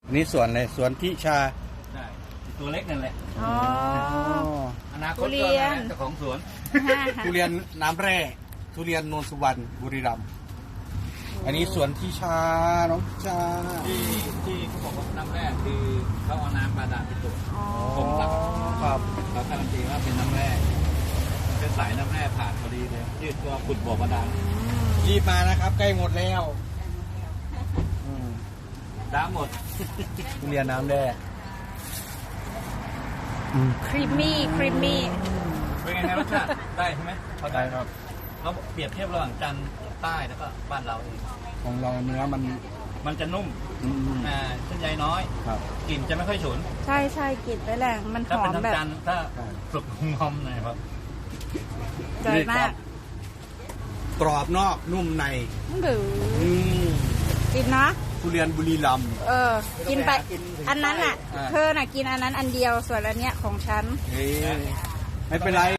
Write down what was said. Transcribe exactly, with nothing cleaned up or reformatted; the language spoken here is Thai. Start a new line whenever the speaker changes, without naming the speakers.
นี่สวนเลยสวนทิชา
ใช่ตัวเล็กนั่นแหละ
อ๋อ
อนาคตก็เจ้าของสวน
ทุเรียนน้ำแร่ทุเรียนโนนสุวรรณบุรีรัมย์อันนี้สวนทิชาน้องทิชา
ที่ที่เขาบอกว่าน้ำแร่คือเขาเอาน้ำบาดาลไปตรวจผมรับ
ครับ
เขาการันตีว่าเป็นน้ำแร่เป็นสายน้ำแร่ผ่านพอดีเลยยืดตัวขุดบ่อบาดาล
รีบมานะครับใกล้หมดแล้ว
น้ำหมด
ทุเรียนน้ำแร่
ครีมมี่ครีมมี่
เป็นไงรสชาติได้ใช่ไหม
เข้าใจครับ
เขาเปรียบเทียบระหว่างจันทร์ใต้แล้วก็บ้านเราเอง
ของเราเนื้อมัน
มันจะนุ่มอ่าเส้นใยน้อย
ครับ
กลิ่นจะไม่ค่อยฉุน
ใช่ใช่กลิ่นไปแรงมันหอมแบบ
จันทร์ถ้าสุกงอมหน่อยครับ
ใจมาก
กรอบนอกนุ่มใน
หรือกินนะ
ทุเรียนบุรีรัมย์
เออกินไปอันนั้นอ่ะเธอน่ะกินอันนั้นอันเดียวส่วนอันเนี้ยของฉัน
ไม่เป็นไร